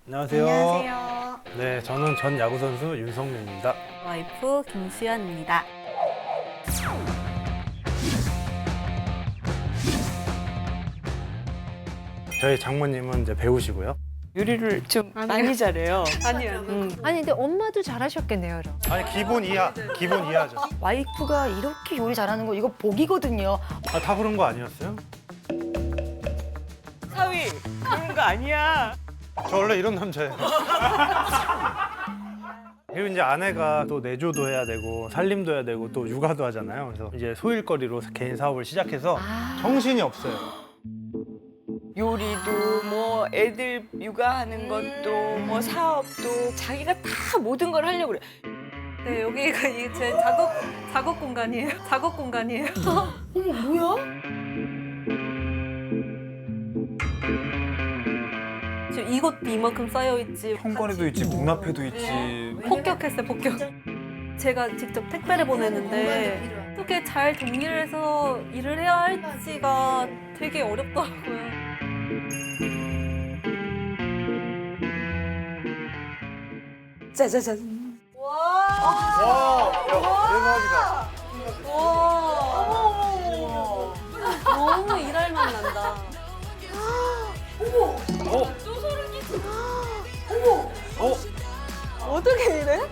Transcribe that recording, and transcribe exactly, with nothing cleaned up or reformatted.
안녕하세요. 안녕하세요. 네, 저는 전 야구 선수 윤성민입니다. 와이프 김수연입니다. 저희 장모님은 이제 배우시고요. 요리를 좀 많이 잘해요. 아니요, 아니요. 음. 아니 근데 엄마도 잘하셨겠네요, 그럼. 아니 기본 이하, 기본 이하죠. 와이프가 이렇게 요리 잘하는 거 이거 복이거든요. 아, 다 그런 거 아니었어요? 사위 그런 거 아니야. 저 원래 이런 남자예요. 그리고 이제 아내가 또 내조도 해야 되고 살림도 해야 되고 또 육아도 하잖아요. 그래서 이제 소일거리로 개인 사업을 시작해서 정신이 없어요. 요리도 뭐 애들 육아하는 것도 뭐 사업도 자기가 다 모든 걸 하려고 그래. 네, 여기가 이게 제 작업 작업 공간이에요. 작업 공간이에요. 어머 뭐야? 지금 이것도 이만큼 쌓여 있지. 현관에도 있지, 문 앞에도 있지. 폭격했어요, 폭격. 제가 직접 택배를 보내는데 어떻게 잘 정리를 해서 일을 해야 할지가 되게 어렵더라고요. 짜자잔. 와, 대박이다. 와, 너무 일할 맛 난다. 어? 어? 어떻게 이래?